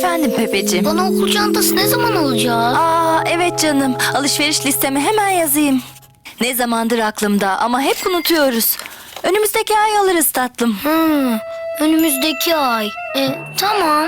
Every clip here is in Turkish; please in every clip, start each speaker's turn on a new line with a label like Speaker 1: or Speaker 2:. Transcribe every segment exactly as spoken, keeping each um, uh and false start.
Speaker 1: Efendim Pepeciğim.
Speaker 2: Bana okul çantası ne zaman alacağız?
Speaker 1: Aa evet canım. Alışveriş listeme hemen yazayım. Ne zamandır aklımda ama hep unutuyoruz. Önümüzdeki ay alırız tatlım.
Speaker 2: Hmm, önümüzdeki ay. E, tamam.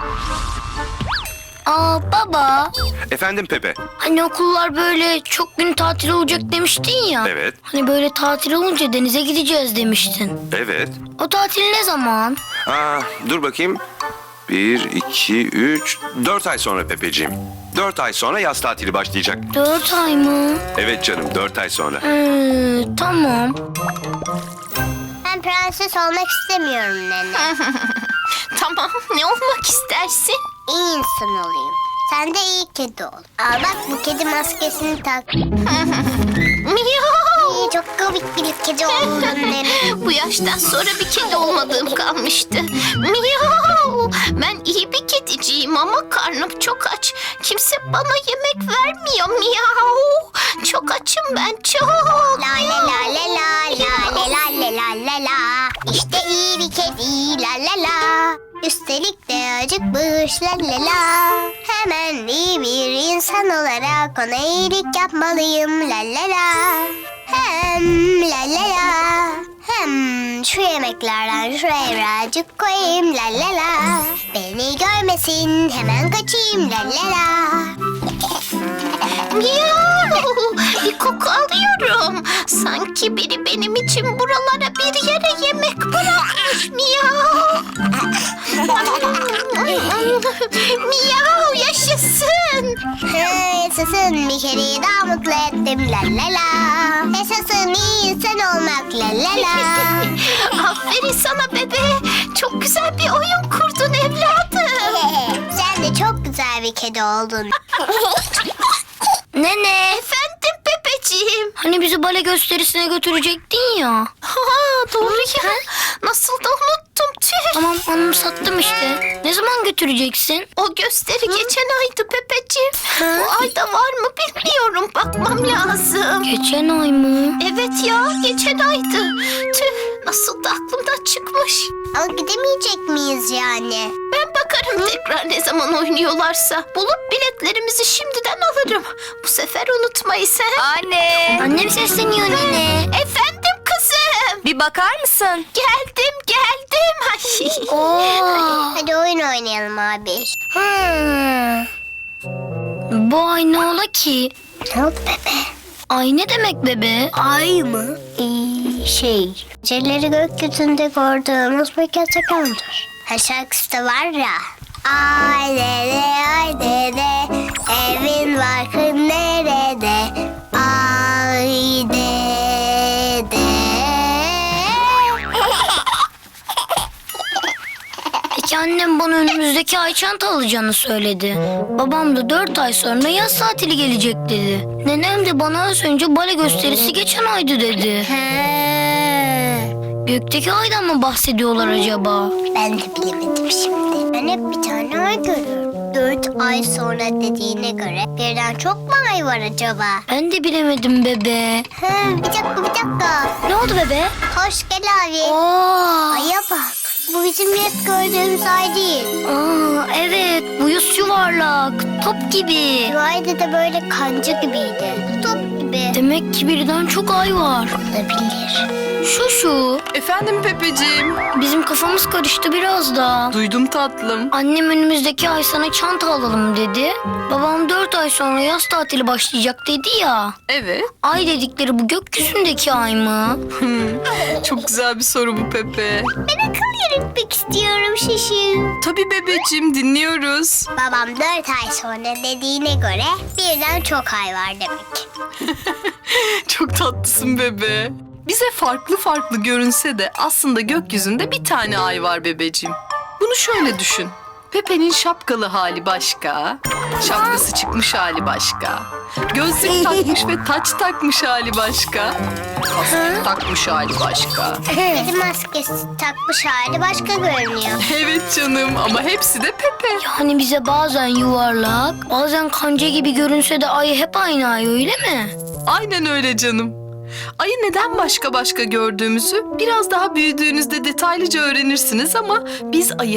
Speaker 2: Aa baba,
Speaker 3: Efendim Pepe.
Speaker 2: hani okullar böyle çok gün tatil olacak demiştin ya.
Speaker 3: Evet.
Speaker 2: Hani böyle tatil olunca denize gideceğiz demiştin.
Speaker 3: Evet.
Speaker 2: O tatil ne zaman?
Speaker 3: Aa, dur bakayım. Bir, iki, üç, dört ay sonra Pepeciğim. Dört ay sonra yaz tatili başlayacak.
Speaker 2: Dört ay mı?
Speaker 3: Evet canım, dört ay sonra.
Speaker 2: Hmm, tamam.
Speaker 4: Ben prenses olmak istemiyorum nene.
Speaker 5: Tamam, ne olmak istersin?
Speaker 4: İyi insan olayım. Sen de iyi kedi ol. Al bak, bu kedi maskesini tak.
Speaker 5: Miyav!
Speaker 4: İyi, çok komik bir kedi oldun nene.
Speaker 5: Bu yaştan sonra bir kedi olmadığım kalmıştı. Miyav! Ben iyi bir kediciyim ama karnım çok aç. Kimse bana yemek vermiyor. Miyav! Çok açım ben, çok.
Speaker 4: La la la la la la la la la la la la. İşte iyi bir kedi la la la. Üstelik de acıkmış la la la. Hemen iyi bir insan olarak ona iyilik yapmalıyım la la la. Hem la la la. Hem şu yemeklerden şuraya birazcık koyayım la la la. Beni görmesin, hemen kaçayım la la la.
Speaker 5: Miyav! Bir koku alıyorum. Sanki biri benim için buralara bir yere yemek bırakmış. Miyav! Miyav yaşasın.
Speaker 4: Yaşasın, bir kereyi daha mutlu ettim la la la. Yaşasın, iyi insan olmak la la la.
Speaker 5: Aferin sana bebe. Çok güzel bir oyun kurdun evladım.
Speaker 4: Sen de çok güzel bir kedi oldun.
Speaker 2: Nene,
Speaker 5: Efendim Pepeciğim.
Speaker 2: hani bizi bale gösterisine götürecektin ya.
Speaker 5: Ha, doğru ya. Nasıl da unuttum tüh.
Speaker 2: Tamam, anımsattım işte. Ne zaman götüreceksin?
Speaker 5: O gösteri geçen aydı Pepeciğim. Bu ayda var mı bilmiyorum. Bakmam lazım.
Speaker 2: Geçen ay mı?
Speaker 5: Evet ya, geçen aydı. Tüh, nasıl da aklımdan çıkmış.
Speaker 4: Ama gidemeyecek miyiz yani?
Speaker 5: Ben bakarım tekrar ne zaman oynuyorlarsa. Bulup biletlerimizi şimdiden alırım. Bu sefer unutmayız he.
Speaker 1: Anne.
Speaker 2: Annem sesleniyor nene.
Speaker 5: Efendim kızım.
Speaker 1: Bir bakar mısın?
Speaker 5: Geldim geldim. Ay.
Speaker 2: Oo.
Speaker 4: Hadi oyun oynayalım abi.
Speaker 2: Hmm. Bu ay ne ola ki?
Speaker 4: Ne oldu bebe?
Speaker 2: Ay ne demek bebe?
Speaker 4: Ay mı? Ee, şey, geceleri gökyüzünde gördüğümüz bir gezegendir. Ha, şarkısı da var ya. Ay dede, ay dede, evin barkın nerede? Ay dede.
Speaker 2: Peki annem bana önümüzdeki ay çanta alacağını söyledi. Babam da dört ay sonra yaz tatili gelecek dedi. Nenem de bana az önce bale gösterisi geçen aydı dedi.
Speaker 4: He.
Speaker 2: Gökteki aydan mı bahsediyorlar acaba?
Speaker 4: Ben de bilemedim şimdi. Ben hep bir tane ay görüyorum. Dört ay sonra dediğine göre birden çok mu ay var acaba?
Speaker 2: Ben de bilemedim bebe.
Speaker 4: He, bir dakika bir dakika.
Speaker 2: Ne oldu bebe?
Speaker 4: Hoş gel abi.
Speaker 2: Aa,
Speaker 4: Aya bak. Bu bizim hep gördüğümüz ay değil.
Speaker 2: aa evet, bu yüz yuvarlak, top gibi.
Speaker 4: Bu ayda da böyle kanca gibiydi. Top gibi.
Speaker 2: Demek ki birden çok ay var.
Speaker 4: Olabilir.
Speaker 2: Şu şu,
Speaker 6: Efendim Pepeciğim.
Speaker 2: bizim kafamız karıştı biraz da.
Speaker 6: Duydum tatlım.
Speaker 2: Annem önümüzdeki ay sana çanta alalım dedi. Babam dört ay sonra yaz tatili başlayacak dedi ya.
Speaker 6: Evet.
Speaker 2: Ay dedikleri bu gökyüzündeki ay mı?
Speaker 6: Çok güzel bir soru bu Pepe.
Speaker 4: Ben akıl yürütmek istiyorum şişim.
Speaker 6: Tabii bebeciğim, dinliyoruz.
Speaker 4: Babam dört ay sonra dediğine göre birden çok ay var demek.
Speaker 6: Çok tatlısın bebe. Bize farklı farklı görünse de aslında gökyüzünde bir tane ay var bebeciğim. Bunu şöyle düşün. Pepe'nin şapkalı hali başka, şapkası çıkmış hali başka, gözlük takmış ve taç takmış hali başka, kasket takmış hali başka.
Speaker 4: Kedi maskesi takmış hali başka görünüyor.
Speaker 6: Evet canım, ama hepsi de Pepe.
Speaker 2: Yani bize bazen yuvarlak, bazen kanca gibi görünse de ay hep aynı ay, öyle mi?
Speaker 6: Aynen öyle canım. Ayı neden başka başka gördüğümüzü biraz daha büyüdüğünüzde detaylıca öğrenirsiniz ama biz ayı hep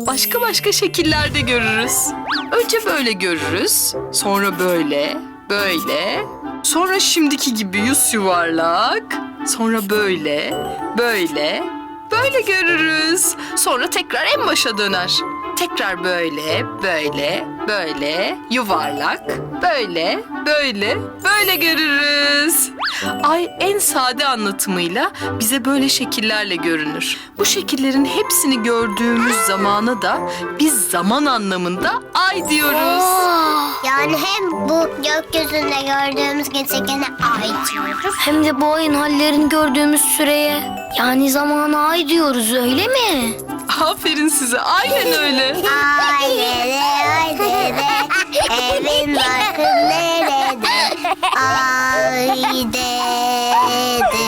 Speaker 6: başka başka şekillerde görürüz. Önce böyle görürüz, sonra böyle, böyle, sonra şimdiki gibi yüz yuvarlak, sonra böyle, böyle, böyle görürüz. Sonra tekrar en başa döner. Tekrar böyle, böyle, böyle, yuvarlak, böyle, böyle, böyle görürüz. Ay en sade anlatımıyla bize böyle şekillerle görünür. Bu şekillerin hepsini gördüğümüz zamana da biz zaman anlamında ay diyoruz.
Speaker 4: Yani hem bu gökyüzünde gördüğümüz gezegene ay diyoruz.
Speaker 2: Hem de bu ayın hallerini gördüğümüz süreye, yani zamana ay diyoruz, öyle mi?
Speaker 6: Aferin size, aynen öyle.
Speaker 4: Ay dede, ay dede, evin barkın nerede? Ay dede.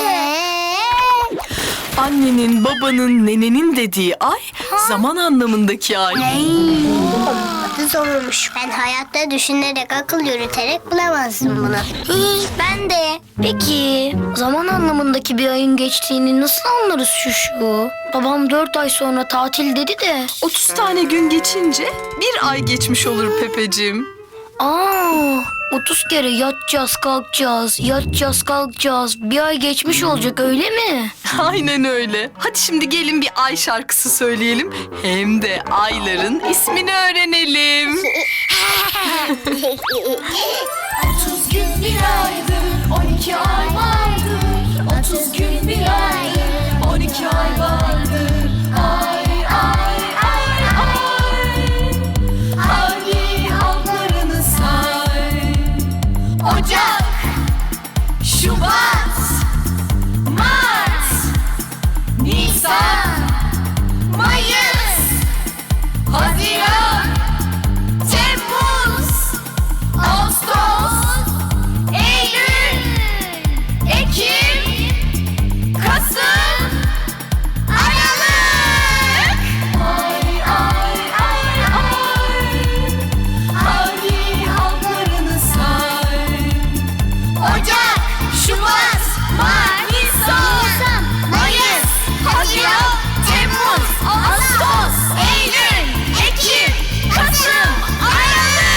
Speaker 6: Annenin, babanın, nenenin dediği ay, zaman anlamındaki ay.
Speaker 4: Adı zormuş. Ben hayatta düşünerek, akıl yürüterek bulamazdım bunu.
Speaker 2: Hı, ben de. Peki zaman anlamındaki bir ayın geçtiğini nasıl anlarız şu şu? Babam dört ay sonra tatil dedi de.
Speaker 6: otuz tane gün geçince bir ay geçmiş olur Pepeciğim.
Speaker 2: Aa, otuz kere yatacağız kalkacağız, yatacağız kalkacağız. Bir ay geçmiş olacak, öyle mi?
Speaker 6: Aynen öyle. Hadi şimdi gelin bir ay şarkısı söyleyelim. Hem de ayların ismini öğrenelim.
Speaker 7: otuz gün bir aydır, on iki ay vardır. otuz gün bir aydır, on iki ay vardır. Ay ay ay ay. Hangi halklarını say? Ocak, Şubat, Mart, Nisan, Mayıs, Haziran, Temmuz, Ağustos, Eylül, Ekim, Kasım, Aralık. Ay ay ay ay. Hangi halklarını say? Ocak, Şubat, Mart, Nisan, Mayıs, Haziran, Temmuz, Ağustos, Eylül, Ekim, Kasım, Aralık.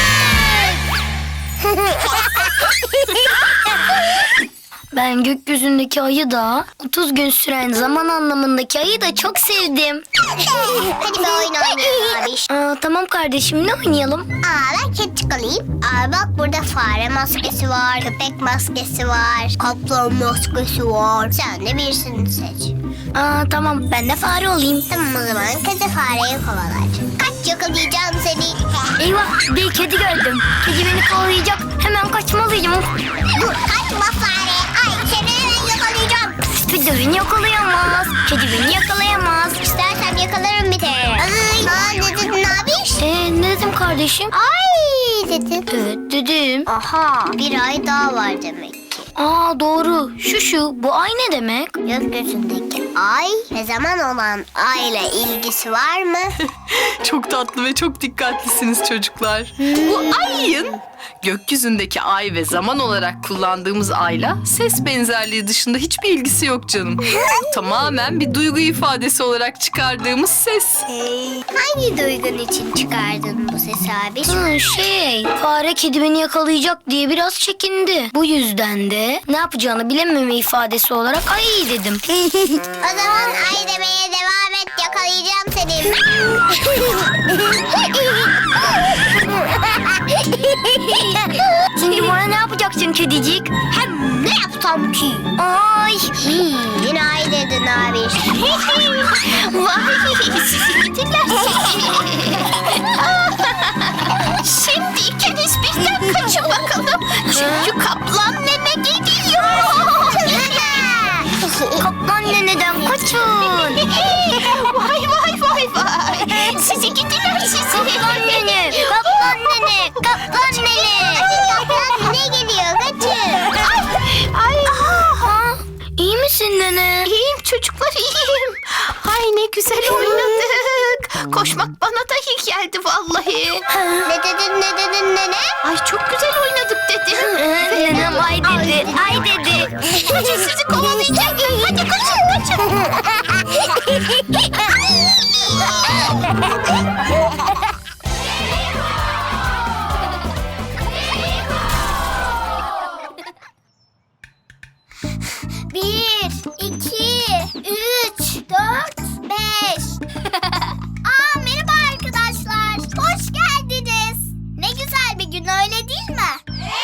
Speaker 2: Ben gökyüzündeki ayı da, otuz gün süren zaman anlamındaki ayı da çok sevdim.
Speaker 4: Hadi bir oyun oynayalım abi.
Speaker 2: Aa, tamam kardeşim, ne oynayalım?
Speaker 4: Aa, ben kedicik alayım. Aa, bak burada fare maskesi var, köpek maskesi var, kaplan maskesi var. Sen de birisini seç.
Speaker 2: Aa, tamam, ben de fare olayım.
Speaker 4: Tamam o zaman kedi fareyi kovalar. Kaç, yakalayacağım seni.
Speaker 2: Eyvah, bir kedi gördüm. Kedi beni kovalayacak, hemen kaçmalıyım.
Speaker 4: Dur, kaçma fare. Ay, seni hemen yakalayacağım.
Speaker 2: Kedi beni yakalayamaz. Kedi beni yakalayamaz.
Speaker 4: İstersen yakalarım bir de. Ay, aa, ne dedin abi?
Speaker 2: Ee, ne dedim kardeşim?
Speaker 4: Ay dedin.
Speaker 2: Evet dedim.
Speaker 4: Aha, bir ay daha var demek ki.
Speaker 2: Aa, doğru. Şu şu, bu ay ne demek?
Speaker 4: Gökyüzündeki ay ve zaman olan ayla ilgisi var mı?
Speaker 6: Çok tatlı ve çok dikkatlisiniz çocuklar. Bu ayın gökyüzündeki ay ve zaman olarak kullandığımız ayla ses benzerliği dışında hiçbir ilgisi yok canım. Tamamen bir duygu ifadesi olarak çıkardığımız ses.
Speaker 4: Hangi duygun için çıkardın bu sesi abi?
Speaker 2: Hı, şey, fare kedi beni yakalayacak diye biraz çekindi. Bu yüzden de ne yapacağını bilememe ifadesi olarak ay dedim.
Speaker 4: O zaman ay demeye devam et, yakalayacağım seni.
Speaker 2: Şimdi bana ne yapacaksın kedicik?
Speaker 4: Hem ne yapsam ki?
Speaker 2: Ay.
Speaker 4: Hmm, yine ay dedin abi.
Speaker 5: Vay sizi gidiler sizi. Şimdi ikiniz birden kaçın bakalım. Çünkü kaplan nene geliyor.
Speaker 2: Kaplan neneden kaçın.
Speaker 5: Vay vay vay vay. Sizi gidiler sizi.
Speaker 2: Kaplan nene, kaplan nene, kaplan nene.
Speaker 4: Kaplan ne geliyor, kaçın.
Speaker 5: Ay.
Speaker 2: Aha, iyi misin nene?
Speaker 5: İyiyim çocuklar iyiyim. Ay ne güzel oynadık. Koşmak bana da iyi geldi vallahi.
Speaker 4: Ne dedin, ne dedin nene?
Speaker 5: Ay çok güzel oynadık dedim.
Speaker 2: Nenem ay dedi, ay dedi.
Speaker 5: Kaçın sizi kovalayacak. Hadi kaçın kaçın.
Speaker 4: Bir, iki, üç, dört, beş. Aa, merhaba arkadaşlar. Hoş geldiniz. Ne güzel bir gün, öyle değil mi?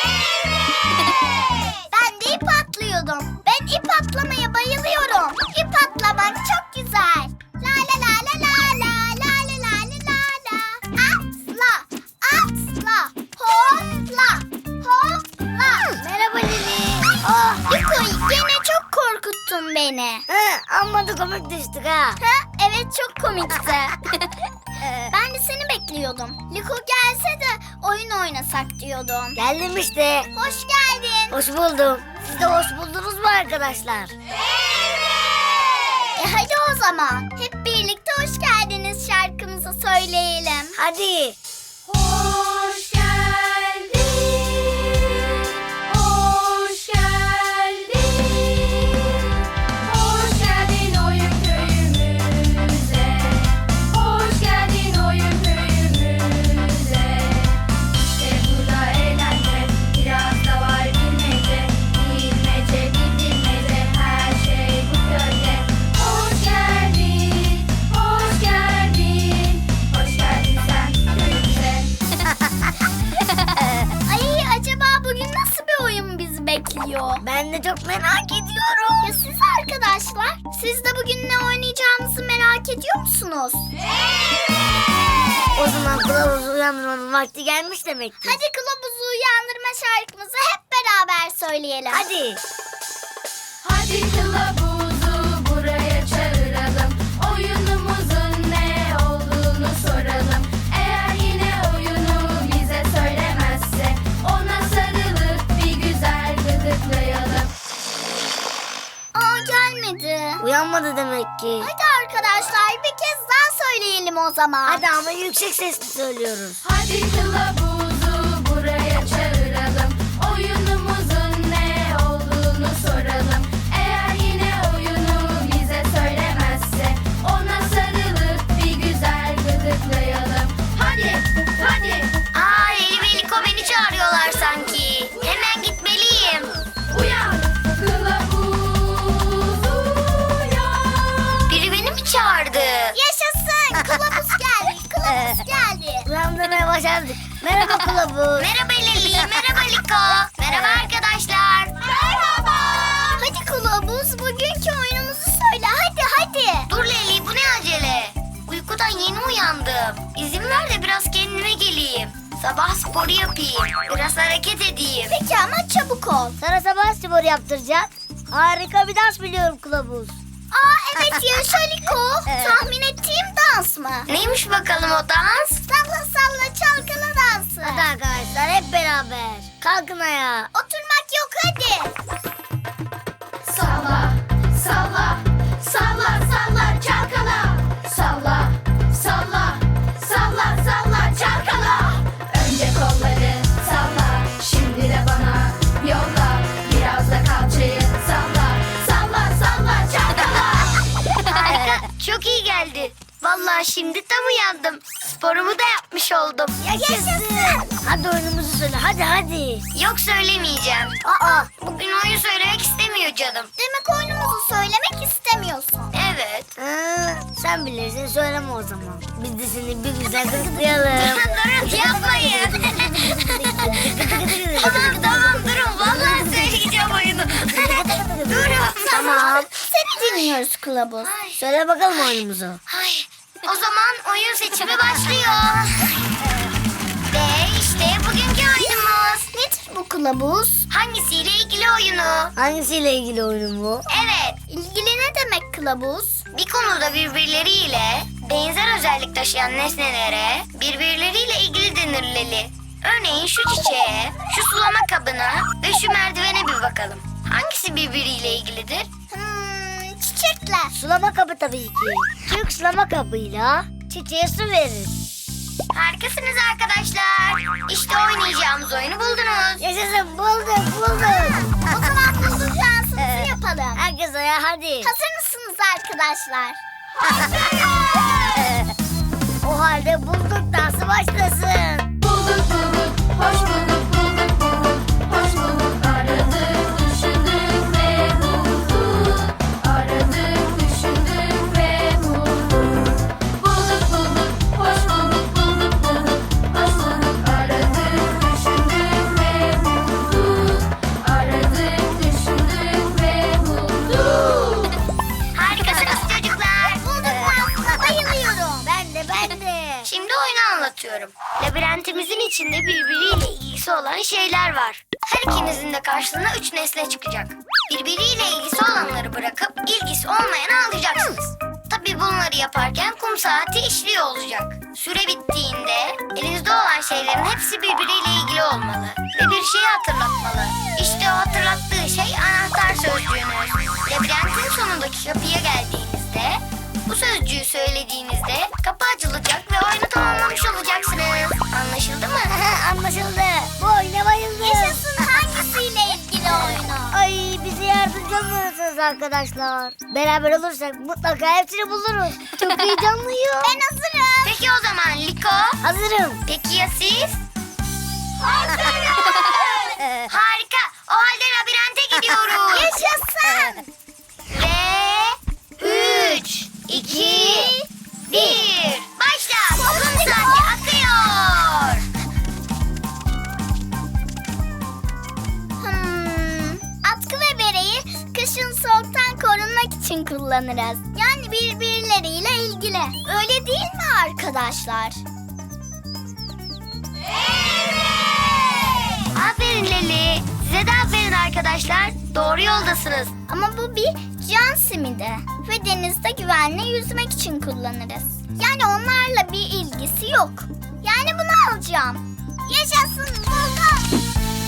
Speaker 4: Ben de ip atlıyordum. Ben ip atlamaya bayılıyorum. İp atlamak çok güzel. La la la la la la la la la la la la. Atla, atla, hopla, hopla. Merhaba Lili. Oh, Liko, yine çok korkuttun beni.
Speaker 2: Hı, amma da komik düştük ha.
Speaker 4: Ha, evet çok komikti. Ben de seni bekliyordum. Liko gelse de oyun oynasak diyordum.
Speaker 2: Geldim işte.
Speaker 4: Hoş geldin.
Speaker 2: Hoş buldum. Siz de hoş buldunuz mu arkadaşlar?
Speaker 4: E hadi o zaman hep birlikte hoş geldiniz şarkımızı söyleyelim.
Speaker 2: Hadi.
Speaker 7: Hoş geldin, hoş geldin, hoş geldin oyun köyümüze, hoş geldin oyun köyümüze. İşte burada eğlence, biraz da var bilmece, bilmece bilmece, her şey bu köyde. Hoş geldin, hoş geldin, hoş geldin sen köyümüze.
Speaker 4: Ay, acaba bugün nasıl bir oyun bizi bekliyor?
Speaker 2: Ben de çok merak ediyorum.
Speaker 4: Ya siz arkadaşlar, siz de bugün ne oynayacağımızı merak ediyor musunuz?
Speaker 2: O zaman kılavuzu uyandırmanın vakti gelmiş demektir.
Speaker 4: Hadi kılavuzu uyandırma şarkımızı hep beraber söyleyelim.
Speaker 2: Hadi.
Speaker 7: Hadi kılavuzu buraya çağıralım. Oyunumuzun ne olduğunu soralım. Eğer yine oyunu bize söylemezse ona sarılıp bir güzel gıdıklayalım.
Speaker 4: Aa, gelmedi.
Speaker 2: Uyanmadı demek ki.
Speaker 4: Hadi arkadaşlar bir kez daha söyleyelim o zaman.
Speaker 2: Hadi ama yüksek sesli söylüyoruz.
Speaker 7: Hadi kılavuzu buraya çağıralım. Oyunumuzun ne olduğunu soralım. Eğer yine oyunu bize söylemezse ona sarılıp bir güzel gıdıklayalım. Hadi, hadi.
Speaker 2: Aa, Leli ve Liko beni çağırıyorlar sanki. Hemen gitmeliyim.
Speaker 7: Uyan, kılavuz uyan.
Speaker 2: Biri beni mi çağırdı?
Speaker 4: Yaşasın, kılavuz geldi, kılavuz geldi.
Speaker 2: Uyandırmaya başardık. Merhaba kılavuz. Merhaba Leli, merhaba Liko. Merhaba arkadaşlar.
Speaker 4: Merhaba. Hadi kılavuz, bugünkü oyunumuzu söyle, hadi hadi.
Speaker 2: Dur Leli, bu ne acele? Uykudan yeni uyandım. İzin ver de biraz kendime geleyim. Sabah sporu yapayım. Biraz hareket edeyim.
Speaker 4: Peki ama çabuk ol.
Speaker 2: Sana sabah spor yaptıracak. Harika bir dans biliyorum kılavuz.
Speaker 4: Aa, evet yaşa Liko. Tahmin ettiğim dans mı?
Speaker 2: Neymiş bakalım o dans?
Speaker 4: Salla salla çalkala dansı.
Speaker 2: Hadi arkadaşlar hep beraber. Kalkın ayağa.
Speaker 4: Oturmak yok, hadi.
Speaker 7: Salla, salla, salla, salla, çalkala. Salla, salla, salla, salla, çalkala. Önce kolları salla, şimdi de bana yolla. Biraz da kalçayı salla, salla, salla, çalkala.
Speaker 2: Harika. Çok iyi geldi. Vallahi şimdi tam uyandım. Sporumu da yapmış oldum.
Speaker 4: Yaşasın.
Speaker 2: Hadi oyunumuzu söyle. Hadi hadi. Yok söylemeyeceğim. Aa, bugün oyun söylemek istemiyor canım.
Speaker 4: Demek oyunumuzu söylemek istemiyorsun.
Speaker 2: Evet. Sen bilirsin söyleme o zaman. Biz de seni bir güzel gıdıklayalım. Durun yapmayın. tamam tamam durun. Vallahi söyleyeceğim oyunu. durun. Tamam.
Speaker 4: Seni dinliyoruz kılavuz.
Speaker 2: Söyle bakalım oyunumuzu. Ay, o zaman oyun seçimi başlıyor. Ve işte bugünkü oyunumuz.
Speaker 4: Nedir bu kılavuz?
Speaker 2: Hangisiyle ilgili oyunu? Hangisiyle ilgili oyun bu? Evet.
Speaker 4: İlgili ne demek kılavuz?
Speaker 2: Bir konuda birbirleriyle benzer özellik taşıyan nesnelere birbirleriyle ilgili denir Leli. Örneğin şu çiçeğe, şu sulama kabına ve şu merdivene bir bakalım. Hangisi birbiriyle ilgilidir?
Speaker 4: Hmm, çiçekler.
Speaker 2: Sulama kabı tabii ki. Çünkü sulama kabıyla çiçeğe su verir. Harikasınız arkadaşlar. İşte oynayacağımız oyunu buldunuz. Yaşasın bulduk bulduk.
Speaker 4: O zaman bulduk dansımızı yapalım.
Speaker 2: Herkes ayağa hadi.
Speaker 4: Hazır mısınız arkadaşlar?
Speaker 2: O halde bulduk dansı başlasın.
Speaker 7: Bulduk bulduk, hoş bulduk, bulduk bulduk, hoş bulduk. Aradık, düşündük ve bulduk.
Speaker 2: istiyorum. Labirentimizin içinde birbiriyle ilgisi olan şeyler var. Her ikinizin de karşısına üç nesne çıkacak. Birbiriyle ilgisi olanları bırakıp ilgisi olmayanı alacaksınız. Tabii bunları yaparken kum saati işliyor olacak. Süre bittiğinde elinizde olan şeylerin hepsi birbiriyle ilgili olmalı ve bir şeyi hatırlatmalı. İşte o hatırlattığı şey anahtar sözcüğünüz. Labirentin sonundaki kapıya geldiğinizde bu sözcüğü söylediğinizde kapı açılacak ve oyunu tamamlamış olacaksınız. Anlaşıldı mı?
Speaker 4: Anlaşıldı. Bu oyuna bayıldım. Yaşasın, hangisiyle ilgili oyunu? Ay, bize yardımcı olmalısınız arkadaşlar. Beraber olursak mutlaka hepsini buluruz. Çok heyecanlıyım. Ben hazırım.
Speaker 2: Peki o zaman Liko?
Speaker 4: Hazırım.
Speaker 2: Peki ya siz? Harika. O halde labirente gidiyoruz.
Speaker 4: Yaşasın.
Speaker 2: Ve üç, iki, bir. Başla. Kum saati akıyor.
Speaker 4: Hmm, atkı ve bereyi kışın soğuktan korunmak için kullanırız. Yani birbirleriyle ilgili. Öyle değil mi arkadaşlar?
Speaker 2: Aferin Leli. Size de aferin arkadaşlar. Doğru yoldasınız.
Speaker 4: Ama bu bir can simidi ve denizde güvenle yüzmek için kullanırız. Yani onlarla bir ilgisi yok. Yani bunu alacağım. Yaşasın, buldum.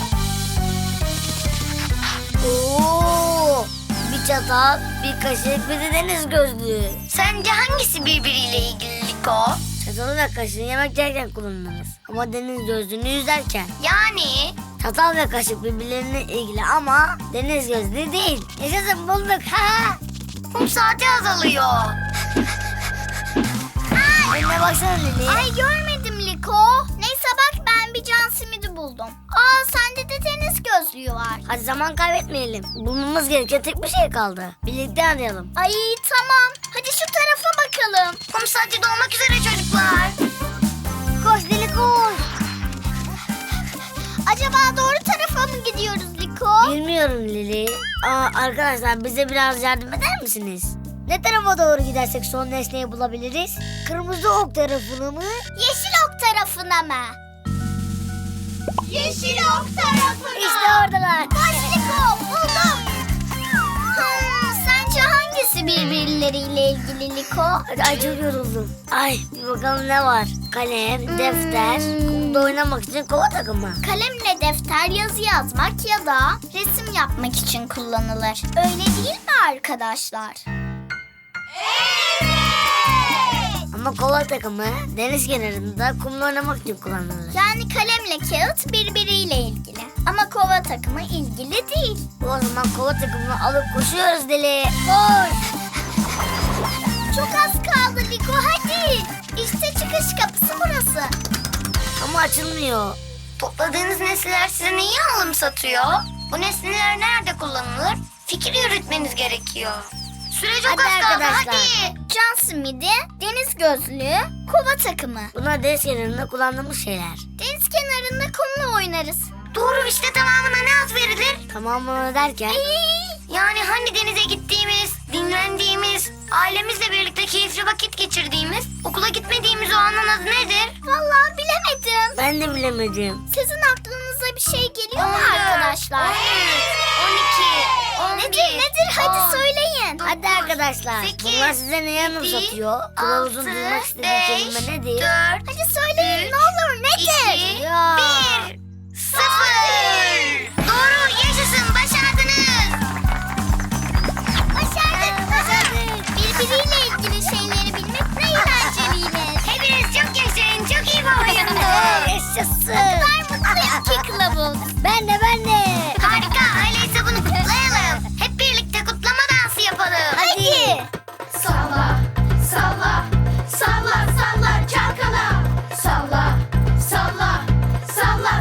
Speaker 4: Oo, bir çatal, bir kaşık, bir de deniz gözlüğü.
Speaker 2: Sence hangisi birbiriyle ilgili Liko?
Speaker 4: Çatalı ve kaşığı yemek yerken kullanırız. Ama deniz gözlüğünü yüzerken.
Speaker 2: Yani
Speaker 4: Çatal ve kaşık birbirlerine ilgili ama deniz gözlüğü değil. Yaşasın, bulduk. Ha!
Speaker 2: kum saati azalıyor.
Speaker 4: Önüne baksana Lili. Ay, görmedim Liko. Neyse bak, ben bir can simidi buldum. Aa, sende de deniz gözlüğü var. Hadi zaman kaybetmeyelim. Bulmamız gereken tek bir şey kaldı. Birlikte arayalım. Ay tamam. Hadi şu tarafa bakalım.
Speaker 2: Kum saati dolmak üzere çocuklar.
Speaker 4: Koş Lili, koş. Acaba doğru tarafa mı gidiyoruz Liko? Bilmiyorum Lili. Aa, arkadaşlar, bize biraz yardım eder misiniz? Ne tarafa doğru gidersek son nesneyi bulabiliriz? Kırmızı ok tarafına mı? Yeşil ok tarafına mı? Yeşil ok tarafına. İşte oradalar. Koş Liko, buldum. Hmm, sence hangisi birbirleriyle ilgili Liko? Ay, çok yoruldum. Ay, bir bakalım ne var? Kalem, defter, kumda oynamak için kova takımı. Kalemle defter yazı yazmak ya da resim yapmak için kullanılır. Öyle değil mi arkadaşlar? Ama kova takımı deniz kenarında kumla oynamak için kullanılır. Yani kalemle kağıt birbiriyle ilgili. Ama kova takımı ilgili değil. O zaman kova takımını alıp koşuyoruz Deli. Koş. Çok az kaldı Liko, hadi. İşte çıkış kapısı burası. Ama açılmıyor.
Speaker 2: Topladığınız nesneler size neyi anımsatıyor? Bu nesneler nerede kullanılır? Fikir yürütmeniz gerekiyor. Süre çok
Speaker 4: Hadi
Speaker 2: az kaldı,
Speaker 4: arkadaşlar.
Speaker 2: hadi.
Speaker 4: Can simidi, deniz gözlüğü, kova takımı. Bunlar deniz kenarında kullandığımız şeyler. Deniz kenarında kumla oynarız.
Speaker 2: Doğru, işte tamamına ne ad verilir?
Speaker 4: Tamamını derken?
Speaker 2: Yani hani denize gittiğimiz, dinlendiğimiz, ailemizle birlikte keyifli vakit geçirdiğimiz, okula gitmediğimiz o anın adı nedir?
Speaker 4: Vallahi bilemedim. Ben de bilemedim. Sizin aklınıza bir şey geliyor mu arkadaşlar?
Speaker 2: on iki, on bir,
Speaker 4: Nedir nedir? Hadi
Speaker 2: on,
Speaker 4: söyleyin.
Speaker 2: dokuz,
Speaker 4: Hadi arkadaşlar.
Speaker 2: sekiz,
Speaker 4: Bunlar size neyi
Speaker 2: yedi,
Speaker 4: anımsatıyor? Kılavuzun
Speaker 2: altı,
Speaker 4: duymak istediği
Speaker 2: beş,
Speaker 4: kelime nedir?
Speaker 2: dört,
Speaker 4: Hadi söyleyin
Speaker 2: üç,
Speaker 4: ne olur, nedir?
Speaker 2: iki,
Speaker 4: Ya.
Speaker 2: bir, sıfır. Doğru, yaşasın, başardınız.
Speaker 4: Başardık, başardık. Birbiriyle ilgili şeyleri bilmek ne eğlenceliymiş.
Speaker 2: Hepiniz çok yaşayın, çok iyi bir oyundu.
Speaker 4: Yaşasın. Ne kadar mutluyum ki kılavuz. Ben de, ben de.
Speaker 2: Harika, öyleyse bunu kutlayalım. Hep birlikte kutlama dansı yapalım.
Speaker 4: Hadi.
Speaker 7: Salla, salla, salla, salla çalkala. Salla, salla, salla,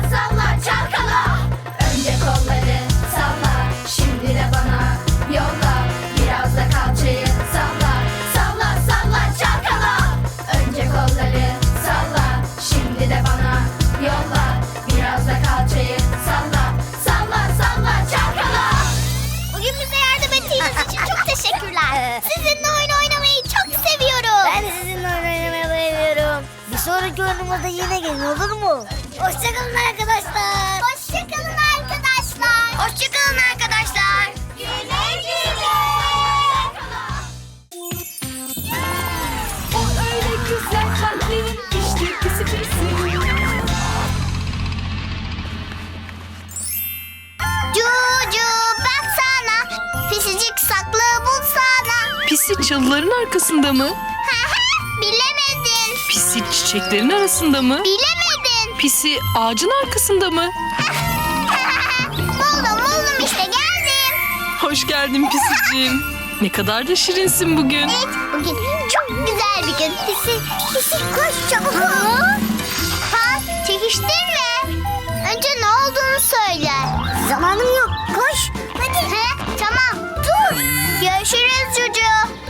Speaker 4: dahaki oyunumuzda yine gelin, olur mu? Hoşçakalın arkadaşlar. Hoşçakalın arkadaşlar.
Speaker 2: Hoşçakalın arkadaşlar.
Speaker 4: Güle güle.
Speaker 7: O öyle güzel kalplerin işte pisi pisi.
Speaker 4: Cucu baksana, pisicik saklı bulsana.
Speaker 6: Pisi çalıların arkasında mı?
Speaker 4: Bilemedin.
Speaker 6: Pisi çiçeklerin arasında mı?
Speaker 4: Bilemedin.
Speaker 6: Pisi ağacın arkasında mı?
Speaker 4: buldum buldum işte, geldim.
Speaker 6: Hoş geldin Pisiciğim. Ne kadar da şirinsin bugün.
Speaker 4: Evet, bugün çok güzel bir gün. Pisi, pisi koş çabuk ol. Ha, çekiştirme. Önce ne olduğunu söyle. Zamanım yok, koş. Hadi. He, tamam, dur. Görüşürüz Cucu.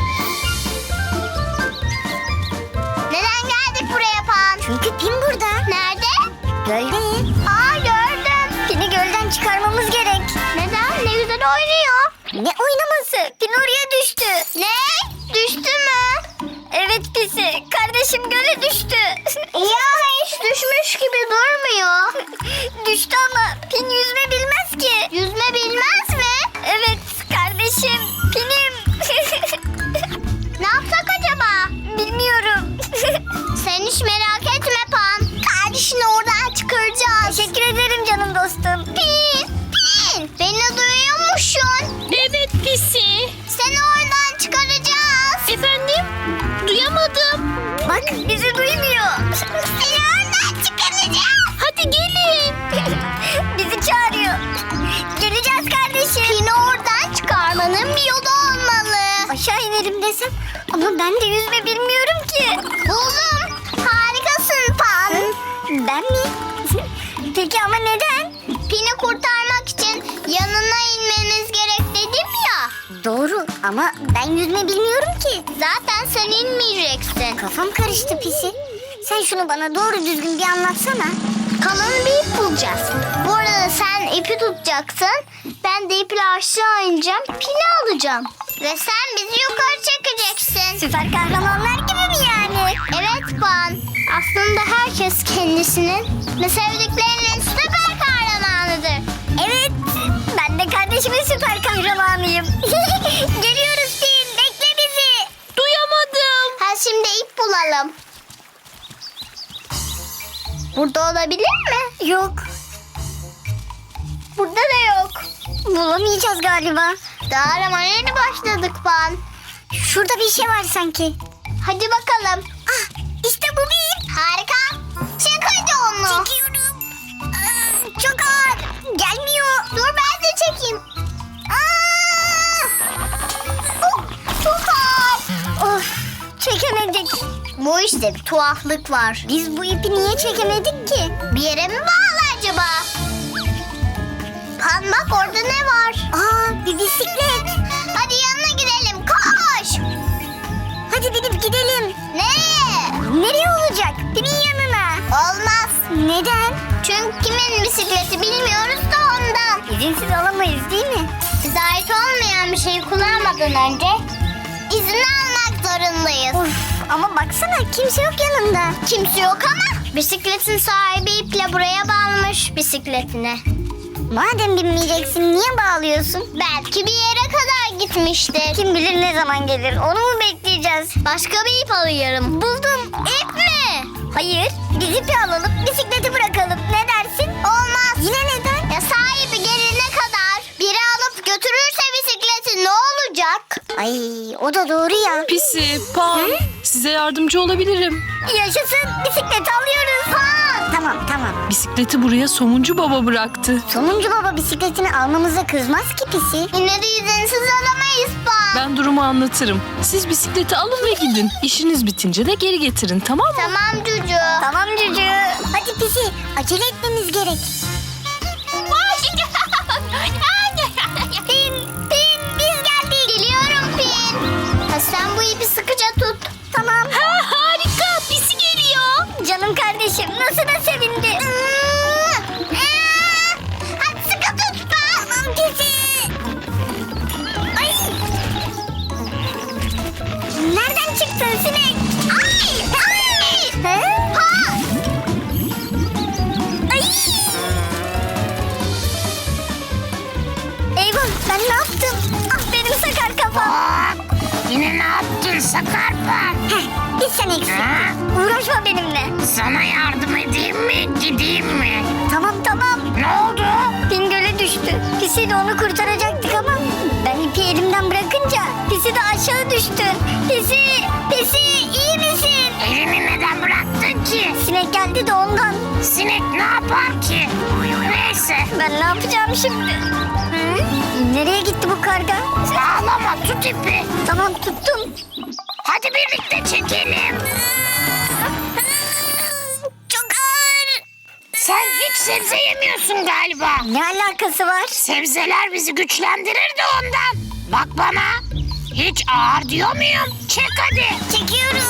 Speaker 4: Neden geldik buraya Pan? Çünkü Pin burada. Nerede? Gölde. Aa, gördüm. Pin'i gölden çıkarmamız gerek. Neden? Ne güzel oynuyor. Ne oynaması? Pin oraya düştü. Ne? Düştü mü? Evet Pisi. Kardeşim göle düştü. Ya hiç düşmüş gibi durmuyor. Düştü ama Pin yüzme bilmez ki. Yüzme bilmez mi? Evet kardeşim. Pin'im. Ne yapsak acaba? Bilmiyorum. Sen hiç merak etme Pan. Kardeşini oradan çıkaracağız. Teşekkür ederim canım dostum. Pin, Pin. Beni duyuyor musun?
Speaker 5: Evet Pisi.
Speaker 4: Seni oradan çıkaracağız.
Speaker 5: Efendim? Duyamadım.
Speaker 4: Bak bizi duymuyor. Seni oradan çıkaracağız.
Speaker 5: Hadi gelin.
Speaker 4: Bizi çağırıyor. Geleceğiz kardeşim. Pin'i oradan çıkarmanın bir yolu olmalı. Aşağı inelim desem ama ben de yüzme bilmiyorum ki. Buldum. Harikasın Pan. Ben mi? Peki ama neden? Pin'i kurtarmak için yanına inmeniz gerek dedim ya. Doğru ama ben yüzme bilmiyorum ki. Zaten sen inmeyeceksin. Kafam karıştı Pisi. Sen şunu bana doğru düzgün bir anlatsana. Kalın bir ip bulacağız. Bu arada sen ipi tutacaksın. Ben de iple aşağı ineceğim. Pini alacağım. Ve sen bizi yukarı çekeceksin. Süper kahramanlar gibi mi yani? Evet Pan. Aslında herkes kendisinin ve sevdiklerinin süper kahramanıdır. Evet. Ben de kardeşimin süper kahramanıyım. Geliyoruz Pin. Bekle bizi.
Speaker 5: Duyamadım.
Speaker 4: Ha, şimdi ip bulalım. Burada olabilir mi? Yok. Burada da yok. Bulamayacağız galiba. Daha aramaya yeni başladık Pan. Şurada bir şey var sanki. Hadi bakalım. Ah, işte bu bir ip. Harika. Çek hadi onu. Çekiyorum. Aa, çok ağır. Gelmiyor. Dur ben de çekeyim. Aa! Oh, çok ağır. Of, çekemedik. Bu işte bir tuhaflık var. Biz bu ipi niye çekemedik ki? Bir yere mi bağlı acaba? Pan bak orada ne var? Aa, bir bisiklet. Hadi yanına gidelim, koş. Hadi binip gidelim. Nereye? Nereye olacak? Pin'in yanına. Olmaz. Neden? Çünkü kimin bisikleti bilmiyoruz da ondan. İzinsiz alamayız değil mi? Bize ait olmayan bir şeyi kullanmadan önce izin almak zorundayız. Of, ama baksana kimse yok yanında. Kimse yok ama bisikletin sahibi iple buraya bağlamış bisikletine. Madem binmeyeceksin niye bağlıyorsun? Belki bir yere kadar gitmiştir. Kim bilir ne zaman gelir, onu mu bekleyeceğiz? Başka bir ip alıyorum. Buldum. İp mi? Hayır. Biz ipi alalım, bisikleti bırakalım. Ne dersin? Olmaz. Yine neden? Ya sahibi gelene kadar biri alıp götürürse bisikleti ne olacak? Ay, o da doğru ya.
Speaker 6: Pisi, Pan, size yardımcı olabilirim.
Speaker 4: Yaşasın, bisikleti alıyoruz. Ha! Tamam tamam.
Speaker 6: Bisikleti buraya Somuncu Baba bıraktı.
Speaker 4: Sonuncu baba bisikletini almamıza kızmaz ki Pisi. Yine de izinsiz alamayız Pan.
Speaker 6: Ben durumu anlatırım. Siz bisikleti alın ve gidin. İşiniz bitince de geri getirin, tamam mı?
Speaker 4: Tamam Cucu. Tamam Cucu. Hadi Pisi, acele etmemiz gerek. Pin, Pin biz geldik. Geliyorum Pin. Ha, sen bu ipi sıkıca tut. Tamam.
Speaker 5: Ha, harika. Pisi geliyor.
Speaker 4: Canım kardeşim nasıl da sevindi. Hadi sıkı tut Pan. Tamam Pisi. Ay. Nereden çıktın sinek? Ay. Ay. He? Ha.
Speaker 8: Yine ne yaptın Sakarpan?
Speaker 4: Bir sen eksik. Uğraşma benimle.
Speaker 8: Sana yardım edeyim mi, gideyim mi?
Speaker 4: Tamam tamam.
Speaker 8: Ne oldu?
Speaker 4: Bingöl'e düştü. Pisi de onu kurtaracaktık ama ben ipi elimden bırakınca Pisi de aşağı düştü. Pisi, Pisi iyi misin?
Speaker 8: Elini neden bıraktın ki?
Speaker 4: Sinek geldi de ondan.
Speaker 8: Sinek ne yapar ki? Neyse,
Speaker 4: Ben ne yapacağım şimdi? Hı? Nereye gitti bu karga?
Speaker 8: ağlama, tut ipi.
Speaker 4: Tamam tuttum.
Speaker 8: Hadi birlikte çekelim.
Speaker 4: Çok ağır.
Speaker 8: Sen hiç sebze yemiyorsun galiba.
Speaker 4: Ne alakası var?
Speaker 8: Sebzeler bizi güçlendirir de ondan. Bak bana. Hiç ağır diyor muyum? Çek hadi.
Speaker 4: Çekiyorum.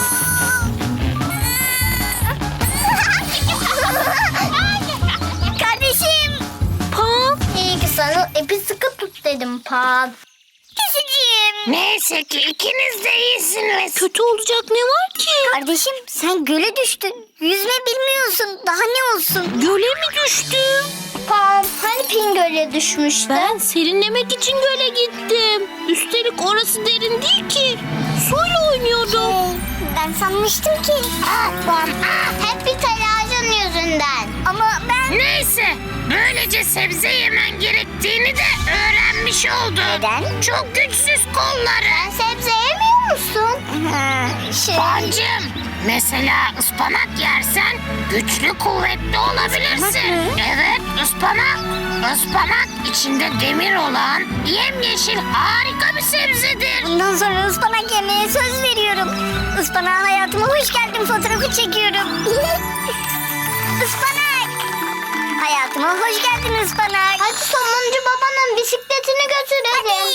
Speaker 4: Kardeşim. Pan. İyi ki sana ipi sıkı tut dedim Pan. Pisiciğim.
Speaker 8: Neyse ki ikiniz de iyisiniz.
Speaker 4: Kötü olacak ne var ki? Kardeşim sen göle düştün. Yüzme bilmiyorsun. Daha ne olsun?
Speaker 5: Göle mi düştüm?
Speaker 4: Pan hani Pin göle düşmüştü?
Speaker 5: Ben serinlemek için göle gittim. Üstelik orası derin değil ki. Suyla oynuyordum.
Speaker 4: Ben sanmıştım ki.
Speaker 8: Ah Pan, ah.
Speaker 4: Hep bir telaşın yüzünden. Ama ben...
Speaker 8: Neyse, böylece sebze yemen gerektiğini de öğrenmiş oldun.
Speaker 4: Neden?
Speaker 8: Çok güçsüz kolları.
Speaker 4: Sebze yemiyor musun? şey...
Speaker 8: Pancım, mesela ıspanak yersen güçlü kuvvetli olabilirsin.
Speaker 4: Ispanak mı?
Speaker 8: Evet, ıspanak. Ispanak içinde demir olan yemyeşil harika bir sebzedir.
Speaker 4: Bundan sonra ıspanak yemeye söz veriyorum. Ispanağa hayatıma hoş geldin fotoğrafı çekiyorum. Ispanak. Hayatıma hoş geldin ıspanak. Hadi sonuncu babanın bisikletini götürelim.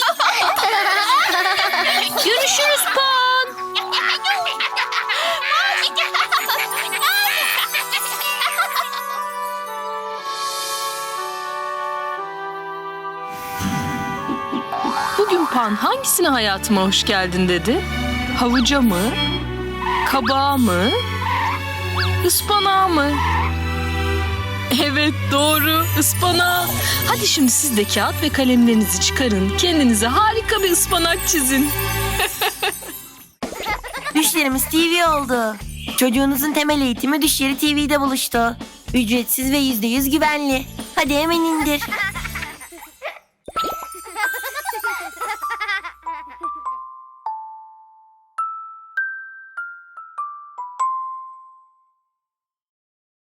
Speaker 5: Görüşürüz Pan.
Speaker 6: Bugün Pan hangisine hayatıma hoş geldin dedi? Havuca mı? Kabağa mı? Ispanağa mı? Evet doğru ıspanağa. Hadi şimdi siz de kağıt ve kalemlerinizi çıkarın. Kendinize harika bir ıspanak çizin.
Speaker 9: Düşlerimiz T V oldu. Çocuğunuzun temel eğitimi Düşleri T V'de buluştu. Ücretsiz ve yüzde yüz güvenli. Hadi hemen indir.